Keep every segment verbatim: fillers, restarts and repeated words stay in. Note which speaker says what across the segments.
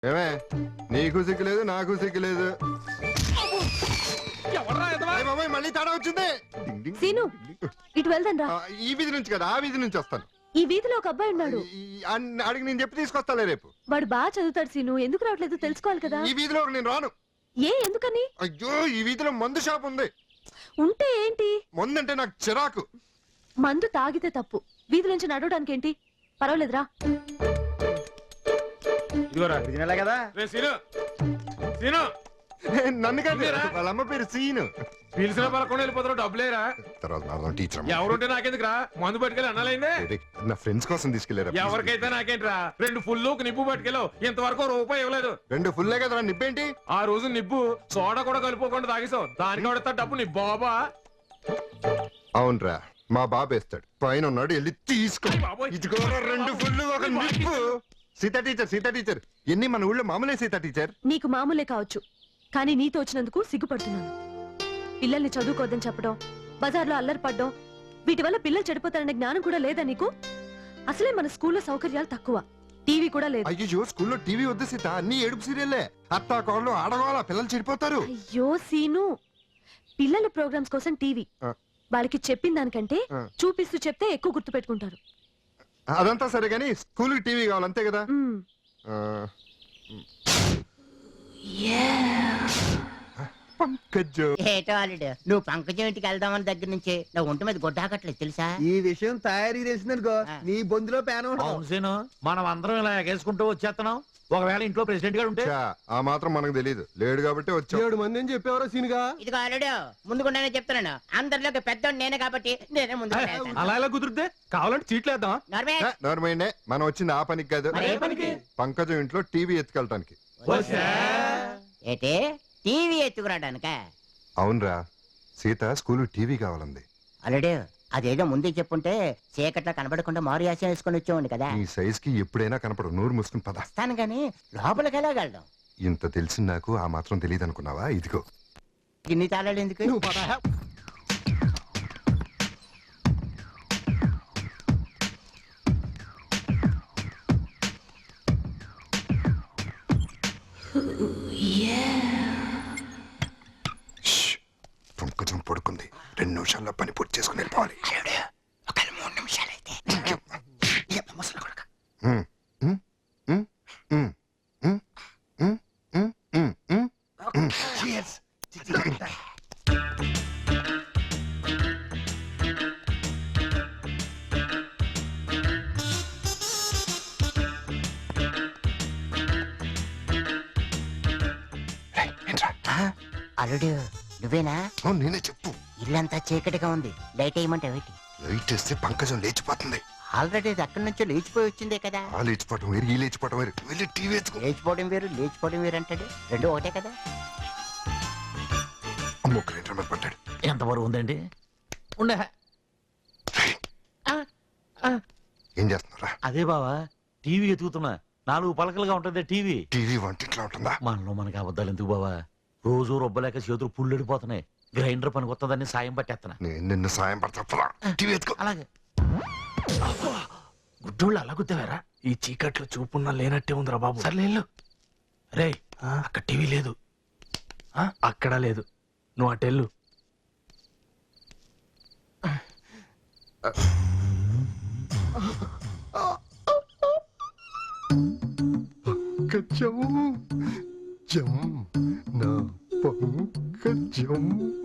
Speaker 1: ఏమే నీకు సిగ్గులేదు నాకు సిగ్గులేదు. మళ్ళీ తేడా వచ్చింది.
Speaker 2: సీను ఇటు వెళ్దాం రా.
Speaker 1: ఈ వీధి నుంచి కదా ఆ వీధి నుంచి వస్తాను.
Speaker 2: ఈ వీధిలో ఒక అబ్బాయి ఉన్నాడు.
Speaker 1: అడిగి నేను చెప్పి తీసుకొస్తాలే రేపు.
Speaker 2: వాడు బాగా చదువుతాడు సీను. ఎందుకు రావట్లేదు తెలుసుకోవాలి కదా.
Speaker 1: ఈ వీధిలో నేను రాను.
Speaker 2: ఏ ఎందుకని?
Speaker 1: అయ్యో ఈ వీధిలో మందు షాప్ ఉంది.
Speaker 2: ఉంటే ఏంటి?
Speaker 1: మందు అంటే నాకు చిరాకు.
Speaker 2: మందు తాగితే తప్పు, వీధి నుంచి నడవడానికి ఏంటి? పర్వాలేదురా.
Speaker 3: కదా
Speaker 1: నన్ను కాదు వాళ్ళ అమ్మ పేరు సీను.
Speaker 4: పిలిచిన పలకుండా వెళ్ళిపోతారు డబ్బులేరా.
Speaker 1: తర్వాత టీచర్
Speaker 4: ఎవరుంటే నాకెందుకురా, మందు పట్టుకెళ్ళి అనాలైందే.
Speaker 1: నా ఫ్రెండ్స్ కోసం తీసుకెళ్లారు.
Speaker 4: ఎవరికైతే నాకేంట్రా, రెండు ఫుల్ నిప్పు పట్టుకెళ్ళవు, ఇంతవరకు రూపాయి ఇవ్వలేదు.
Speaker 1: రెండు ఫుల్లే కదా నిప్పేంటి?
Speaker 4: ఆ రోజు నిప్పు సోడా కూడా కలుపుకోకుండా తాగేసావు, దానికి వాడతా డబ్బు నీ బాబా.
Speaker 1: అవునరా మా బాబు వేస్తాడు, పైన ఉన్నాడు వెళ్ళి తీసుకో. ఇదిగోరా రెండు ఫుల్ ఒక నిప్పు. సీతా టీచర్ సీతా టీచర్ ఎన్ని మన ఊళ్ళో మామూలే. సీతా టీచర్
Speaker 2: నీకు మామూలే కావచ్చు, కానీ నీతో వచ్చినందుకు సిగ్గుపడుతున్నాను. పిల్లల్ని చదువుకోవద్దని చెప్పడం, బజార్లో అల్లరి పడ్డం, వీటి వల్ల పిల్లలు చెడిపోతారనే జ్ఞానం కూడా లేదా నీకు? అసలే మన స్కూల్లో సౌకర్యాలు తక్కువ, టీవీ కూడా లేదు.
Speaker 1: అయ్యో స్కూల్లో టీవీ వద్దు సీత, అన్ని ఏడుపు సీరియల్లే. అత్తా కోళ్ళు ఆడవాళ్ళ పిల్లలు చెడిపోతారు.
Speaker 2: అయ్యో సీను, పిల్లల ప్రోగ్రామ్స్ కోసం టీవీ. వాళ్ళకి చెప్పిన దానికంటే చూపిస్తూ చెప్తే ఎక్కువ గుర్తు పెట్టుకుంటారు.
Speaker 1: అదంతా సరే గానీ స్కూల్ కి టీవీ కావాలి అంతే కదా. పంకజు
Speaker 5: ఏటో అల్లుడు, నువ్వు పంకజం ఇంటికి వెళ్దామని దగ్గర నుంచి నా ఒంటి మీద గొడ్డాకట్లేదు తెలుసా?
Speaker 3: ఈ విషయం తయారీ తెలిసిందనుకో నీ బొందులో పేన.
Speaker 6: మనం అందరం ఇలా ఎగేసుకుంటూ వచ్చేస్తున్నాం. ఒకవేళ ఇంట్లో ప్రెసిడెంట్ గారు ఉంటే
Speaker 1: ఆ మాత్రం మనకు తెలియదు, లేడు కాబట్టి వచ్చా.
Speaker 3: ఏడు మంది అని చెప్పేవారో సీనుగా.
Speaker 5: ఇదిగో అల్లుడు, ముందుకుండానే చెప్తున్నాను, అందరిలోకి పెద్ద నేనే కాబట్టి నేనే ముందు.
Speaker 4: అలా ఎలా కుదిరితే? కావాలంటే చీట్లేద్దాం.
Speaker 1: నోర్మైండే, మనం వచ్చింది ఆ పనికి కాదు, పంకజం ఇంట్లో టీవీ ఎత్తుకెళ్ళటానికి.
Speaker 5: ఏటే టీవీ ఎత్తుకురాడానిక?
Speaker 1: అవునరా, సీత స్కూల్ టీవీ కావాలంది.
Speaker 5: అల్లుడు అదేదో ముందే చెప్పుంటే చీకట్లో కనబడకుండా మారు యాసం వేసుకొని వచ్చేవాడి కదా.
Speaker 1: ఈ సైజ్ కి ఎప్పుడైనా కనపడు, నోరు మూసుకుని పద.
Speaker 5: వస్తాను గాని లోపలికి వెళ్ళగలడం.
Speaker 1: ఇంత తెలిసి నాకు ఆ మాత్రం తెలియదు అనుకున్నావా? ఇదిగో
Speaker 5: ఇన్ని తాళాలు ఎందుకు?
Speaker 1: పంకజం పడుకుంది, రెండు నిమిషాల్లో పని పూర్తి చేసుకుని వెళ్ళిపోవాలి.
Speaker 5: ఒక మూడు నిమిషాలైతే అల్లుడు నువ్వేనా?
Speaker 1: నేనే చెప్పు.
Speaker 5: ఇల్లంతా చీకటిగా ఉంది, లైట్ వేయమంటే ఏంటి?
Speaker 1: లైట్ వేస్తే పంకజం లేచిపోతుంది.
Speaker 5: ఆల్రెడీ అక్కడి నుంచి లేచిపోయి వచ్చిందే కదా.
Speaker 1: ఆ లేచిపోవటం వేరు, ఈ లేచిపోవటం వేరు. వెళ్ళి టీవీ ఎత్తుకో.
Speaker 5: లేచిపోవడం వేరు లేచిపోవడం వేరు అంటాడు, రెండు ఒకటే కదా.
Speaker 1: అమ్మో గ్రైండర్ మీద పడ్డాడు.
Speaker 6: ఎంత బరువు ఉందండి? ఉండే
Speaker 1: ఏం చేస్తున్నారా?
Speaker 6: అదే బావా, టీవీ ఎత్తుకుతున్నా. నాలుగు పలకలుగా ఉంటది టీవీ.
Speaker 1: టీవీ వంటింట్లో ఉంటుందా?
Speaker 6: మనలో మనకి అబద్ధాలు ఎందుకు బావా? రోజు రొబ్బలేక చేతులు పుల్లెడిపోతున్నాయి. గ్రైండర్ పనికి వస్తుందని సాయం పట్టేస్తున్నా.
Speaker 1: నేను నిన్ను సాయం పడతా. టీవీ ఎత్తుకో.
Speaker 6: అలాగే.
Speaker 7: గుడ్డోళ్ళు అలా గుద్దేవారా? ఈ చీకట్లో చూపున్నా లేనట్టే ఉందిరా బాబు. సర్లేళ్ళు రే, అక్కడ టీవీ లేదు, అక్కడ లేదు, నువ్వు అటెళ్ళు.
Speaker 1: పంకజం జం నా పంకజం.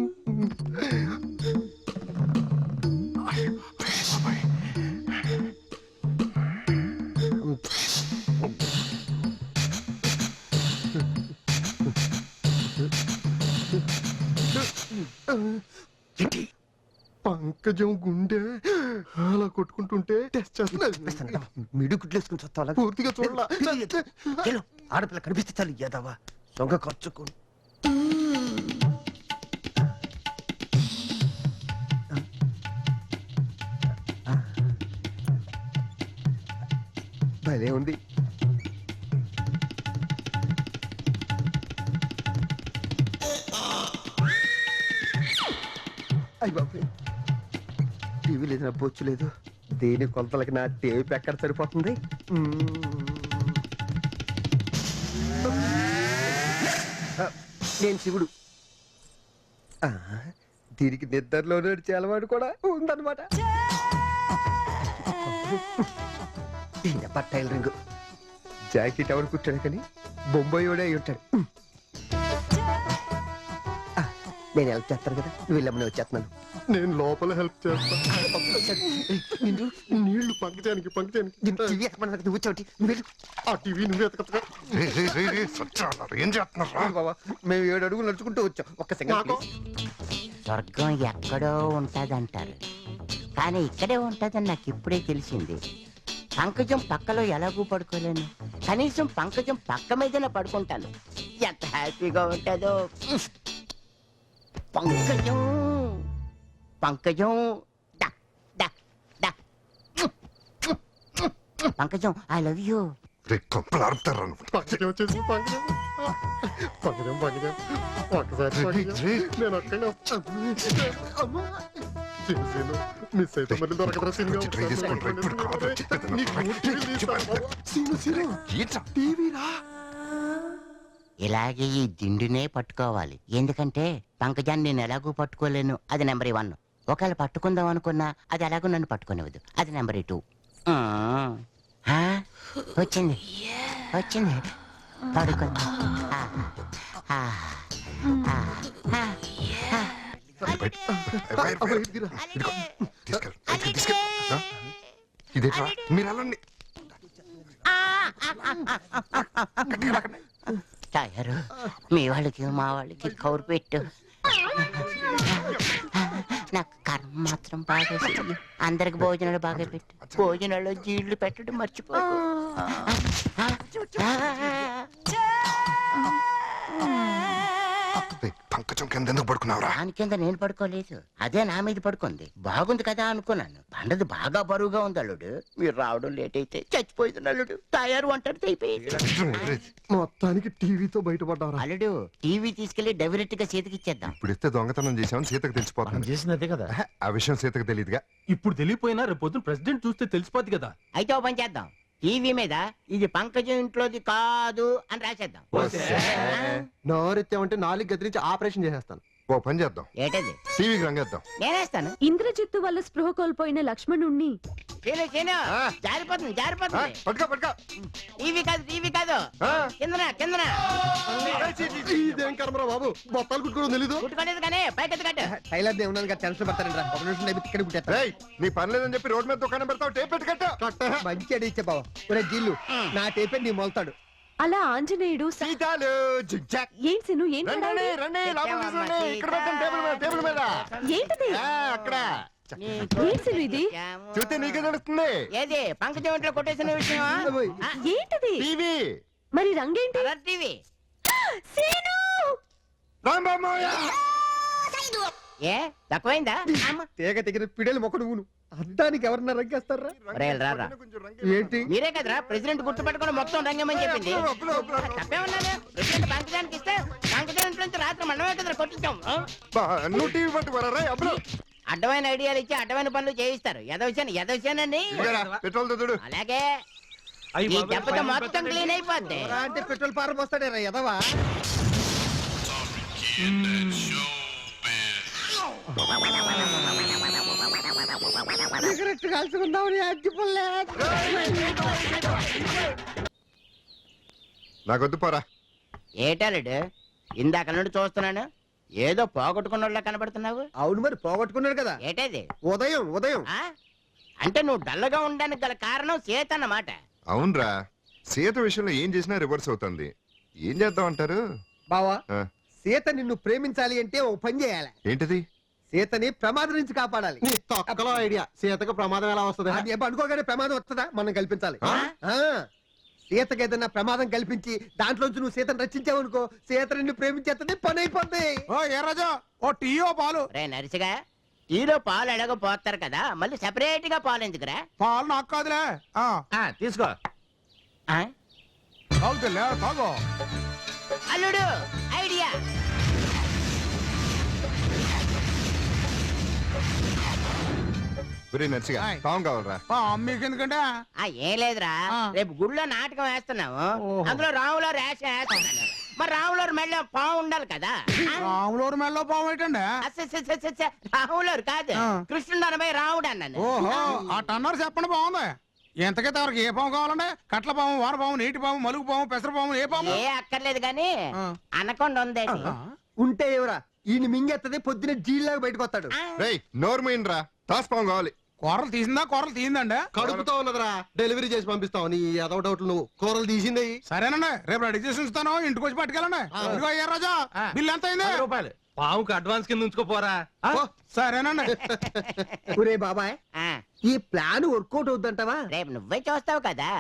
Speaker 1: పంకజం గుండె అలా కొట్టుకుంటుంటే టెస్ట్ చేస్తున్నా.
Speaker 3: మిడి గుడ్లేసుకుని చూస్తా
Speaker 1: పూర్తిగా చూడాల.
Speaker 3: ఆడపిల్ల కనిపిస్తే చాలు ఏదవా సొంగ ఖర్చుకు. భలే ఉంది. అయ్య బాబు, టీవీ లేదు, నా బొచ్చు లేదు. దేని కొలతలకి నా టేప్ ఎక్కడ సరిపోతుంది? నేను శివుడు ఆ, దీనికి నిద్రలో నడిచే అలవాటు కూడా ఉందన్నమాట ఈయన పట్టాయిల రింగు జాకెట్ ఎవరు కుట్టాడు కానీ బొంబాయిడే అయి ఉంటాడు ఆ, నేను హెల్ప్ చేస్తాను కదా నువ్వు వెళ్ళమని వచ్చేస్తున్నాను
Speaker 1: నేను లోపల హెల్ప్ చేస్తాను నీళ్లు పంకజానికి పంకజానికి
Speaker 3: టీవీ ఎక్కమన్నా నువ్వు చోటి నువ్వు వెళ్ళు
Speaker 1: ఆ టీవీ నువ్వే ఎతకతగా ఏం చేస్తున్నారా
Speaker 3: బాబా మేము ఏడు అడుగులు నడుచుకుంటూ వచ్చాం ఒక్క సెకండ్
Speaker 5: స్వర్గం ఎక్కడో ఉంటదంటారు కానీ ఇక్కడే ఉంటదని నాకు ఇప్పుడే తెలిసింది. పంకజం పక్కలో ఎలాగూ పడుకోలేను, కనీసం పంకజం పక్క మీదనే పడుకుంటాను. ఎంత హ్యాపీగా ఉంటుందో. పంకజం పంకజం డా, డా, డా. Pankajam I love you.
Speaker 1: కొంపలు ఆరుతారా పంకజం వచ్చేసి పంకజం పంకజం పంకజం ఒక్కసారి పంకజం. నేను అక్కడే అమ్మా మిస్ అయితే మళ్ళీ దొరకదరా సీన్
Speaker 6: ట్రై చేసుకుంటారా ఇప్పుడు కాదు
Speaker 1: టీవీరా
Speaker 5: ఇలాగే ఈ దిండునే పట్టుకోవాలి, ఎందుకంటే పంకజాన్ని నేను ఎలాగూ పట్టుకోలేను. అది నెంబర్ వన్. ఒకవేళ పట్టుకుందాం అనుకున్నా అది ఎలాగో నన్ను పట్టుకునేవద్దు. అది నెంబర్ టూ. వచ్చింది వచ్చింది పడుకుంది. ఆ, ఆ, ఆ, ఆ.
Speaker 1: ఇదేట్రా మీరు వెళ్ళండి
Speaker 5: తయారు మీ వాళ్ళకి మా వాళ్ళకి కౌరు పెట్టు. నాకు కర్మ మాత్రం బాగా చెయ్యి. అందరికి భోజనాలు బాగా పెట్టు. భోజనాల్లో జీళ్ళు పెట్టడం మర్చిపోకు.
Speaker 1: పంకజం కింద ఎందుకు పడుకున్నావురా?
Speaker 5: దాని కింద నేను పడుకోలేదు, అదే నా మీద పడుకుంది. బాగుంది కదా అనుకున్నాను. పండది బాగా బరువుగా ఉంది అల్లుడు. మీరు రావడం లేట్ అయితే చచ్చిపోయింది అల్లుడు. తయారు వంటది అయిపోయింది.
Speaker 1: మొత్తానికి టీవీతో బయటపడ్డారా?
Speaker 5: అల్లుడు టీవీ తీసుకెళ్లి డైరెక్ట్ గా చేతికి ఇచ్చేద్దాం.
Speaker 1: ఇప్పుడు ఇస్తే దొంగతనం చేసామని సీతకు
Speaker 6: మనం
Speaker 1: తెలిసిపోతుంది.
Speaker 6: చేసింది అదే కదా.
Speaker 1: ఆ విషయం సీతకు తెలియదుగా.
Speaker 4: ఇప్పుడు తెలియపోయినా రేపు పొద్దున ప్రెసిడెంట్ చూస్తే తెలిసిపోద్ది కదా.
Speaker 5: అయితే ఓ పని చేద్దాం, టీవీ మీద ఇది పంకజం ఇంట్లోది కాదు అని రాసేద్దాం.
Speaker 3: నోరెత్తామంటే నాలుగు గదిరించి ఆపరేషన్ చేసేస్తాను.
Speaker 1: ఓ పని చేద్దాం,
Speaker 5: ఏటది
Speaker 1: టీవీకి రంగేద్దాం.
Speaker 5: నేనేస్తాను.
Speaker 2: ఇంద్రజిత్తు వల్ల స్పృహ కోల్పోయిన లక్ష్మణుణ్ణి
Speaker 5: చేను చేను
Speaker 1: ఆ.
Speaker 5: జారిపోతుంది
Speaker 1: ఆ,
Speaker 5: జారిపోతుంది.
Speaker 1: పట్టుకో పట్టుకో.
Speaker 5: టీవీ కాదు టీవీ కాదు,
Speaker 1: ఆ.
Speaker 5: కిందన కిందన
Speaker 1: ఇదేం కర్మరా బాబు, బొత్తాలు కుట్టుకోవడం తెలీదు.
Speaker 5: కుట్టుకోలేదు కానీ పైకెత్తు కట్టు.
Speaker 3: టైలర్ దే ఉన్నాను కదా, టెన్షన్ పడతారండి రా. ఒక నిమిషం నైపు ఇక్కడ కుట్టేస్తా.
Speaker 1: రేయ్, నీ పని లేదని చెప్పి రోడ్ మీద దుకాణం పెడతావు, టేప్ పెట్టి కట్టు.
Speaker 3: మంచి అడి ఇచ్చే బావ. ఒరే జీళ్ళు నా టేపే నీ మొలతాడు.
Speaker 2: అలా ఆంజనేయుడు స-
Speaker 1: సీతాలు జిగ్జాగ్.
Speaker 2: ఏం సిను ఏం
Speaker 1: రండి రండి, రండి లోపలికి తీసుకురండి. ఇక్కడ పెట్టండి టేబుల్ మీద, టేబుల్ మీద.
Speaker 2: ఏంటిది
Speaker 1: ఆ, అక్కడ
Speaker 2: ఏం సిను ఇది
Speaker 1: చూస్తే నీకే తెలుస్తుంది.
Speaker 5: ఏది పంకజం ఇంట్లో కొట్టేసిన విషయం?
Speaker 2: ఏంటిది
Speaker 1: టీవీ
Speaker 2: మరి రంగేంటి
Speaker 5: కలర్ టీవీ.
Speaker 2: సీను
Speaker 1: రాంబాబోయ్.
Speaker 5: ఏ తక్కువైందా? అమ్మ.
Speaker 3: తీగ తెగిన పిడేలు మొక్క నువ్వును అద్దానికి ఎవరన్నా రంగేస్తారా?
Speaker 5: రేయ్, రారా.
Speaker 3: ఏంటి
Speaker 5: మీరే కదరా ప్రెసిడెంట్ గుర్తుపెట్టుకుని మొత్తం రంగమని చెప్పింది.
Speaker 1: అప్పులు, అప్పులు, అప్పులు.
Speaker 5: తప్పేమన్నాను? ప్రెసిడెంట్ పంకజానికి ఇస్తే పంకజం ఇంట్లో నుంచి రాత్రి మనమే కదరా కొట్టించాం. ఆ?
Speaker 1: బా, నువ్వు టీవీ పట్టుకోరా రా అప్పుడు.
Speaker 5: అడ్డమైన ఐడియాలు ఇచ్చి అడ్డమైన పనులు చేయిస్తారు. ఎదవచ్చాను ఎదవచ్చానండి.
Speaker 1: పెట్రోల్ తో చూడు.
Speaker 5: అలాగే ఈ దెబ్బతో మొత్తం క్లీన్ అయిపోద్ది.
Speaker 3: రా అంటే పెట్రోల్ పారం వస్తాడే రా ఎదవా. సిగరెట్ కాల్చుకుందాం అగ్గిపుల్లే.
Speaker 1: నాకొద్దు పోరా.
Speaker 5: ఏటాలుడు ఇందాక నుండి చూస్తున్నాను, ఏదో పోగొట్టుకున్న కనబడుతున్నావు.
Speaker 3: అవును మరి పోగొట్టుకున్నాడు కదా.
Speaker 5: ఏటది?
Speaker 3: ఉదయం ఉదయం
Speaker 5: ఆ? అంటే నువ్వు డల్లగా ఉండడానికి గల కారణం సీత అన్నమాట.
Speaker 1: అవునరా, సీత విషయంలో ఏం చేసినా రివర్స్ అవుతుంది. ఏం చేద్దాం అంటారు?
Speaker 3: బావా
Speaker 1: ఆ,
Speaker 3: సీత నిన్ను ప్రేమించాలి అంటే ఓ పని చేయాలి.
Speaker 1: ఏంటిది?
Speaker 3: సీతని ప్రమాదం నుంచి కాపాడాలి.
Speaker 1: ఐడియా. సీతకు ప్రమాదం ఎలా వస్తుంది?
Speaker 3: అది ఎప్పుడు అనుకోగానే ప్రమాదం వస్తుందా? మనం కల్పించాలి.
Speaker 1: ఆ?
Speaker 3: ఆ సీతకి ఏదైనా ప్రమాదం కల్పించి దాంట్లోంచి నువ్వు సీతను రక్షించావనుకో, సీత నిన్ను ప్రేమించేస్తుంది, పని అయిపోద్ది.
Speaker 4: ఓ ఏ రాజా, ఓ టీ ఓ పాలు.
Speaker 5: రే నరిసిగా, టీలో పాలు ఎలాగో పోస్తారు కదా, మళ్ళీ సెపరేట్ గా పాలు ఎందుకురా?
Speaker 4: పాలు నాకు కాదులే. ఆ,
Speaker 6: ఆ, తీసుకో.
Speaker 5: ఆ?
Speaker 4: తాగుతులే, తాగు.
Speaker 5: అల్లుడు ఐడియా.
Speaker 1: ఒరే నర్సిగా,
Speaker 4: ఆయ్.
Speaker 1: పావం కావాలరా?
Speaker 4: ఆ, మీకు ఎందుకంటే
Speaker 5: ఆ ఏం లేదురా,
Speaker 4: ఆ.
Speaker 5: రేపు గుళ్ళో నాటకం వేస్తున్నాము,
Speaker 4: ఓహో.
Speaker 5: అందులో రాములో రేషన్ వేస్తున్నాను. మరి రాములూరు మెళ్ళో పాము ఉండాలి కదా
Speaker 8: రాములూరు మెల్లో పాము ఏంటండి
Speaker 5: అస్స, అస్స, అస్స, అస్స, రాములూరు కాదు
Speaker 8: ఆ.
Speaker 5: కృష్ణుడు అనబై రాముడు అన్నాను
Speaker 8: ఓహో ఆ టన్నర్ చెప్పండి బాగుంది ఎంతకైతే ఎవరికి ఏ పాము కావాలండి కట్ల పాము వాన పాము నీటి పాము మలుగు పాము పెసర పాము ఏ పాము
Speaker 5: ఏ అక్కర్లేదు గాని
Speaker 8: ఆ.
Speaker 5: అనకొండ ఉందేటి
Speaker 3: ఉంటే ఎవరా ఈయన మింగెత్తది పొద్దున జీల్లాగా బయటకు వస్తాడు
Speaker 1: రేయ్ నోరు మూయండిరా తాసుపాము కావాలి
Speaker 8: కూరలు తీసిందా కూరలు తీసిందండి
Speaker 9: కడుపుతో ఉన్నదిరా డెలివరీ చేసి పంపిస్తావు నీ ఏదో డౌట్లు నువ్వు కూరలు తీసింది
Speaker 8: సరేనండి రేపు రెడీ చేసి ఉంచుతాను ఇంటికి వచ్చి పట్టుకెళ్ళండి ఇదిగో అయ్యా రాజా బిల్ ఎంత అయింది
Speaker 4: పది రూపాయలు పావుకి అడ్వాన్స్ కింద ఉంచుకోపోరా
Speaker 8: సరేనండి
Speaker 3: ఒరే బాబాయ్
Speaker 5: ఆ,
Speaker 3: ఈ ప్లాన్ వర్కౌట్ అవుద్దంటావా
Speaker 5: రేపు నువ్వే చూస్తావు కదా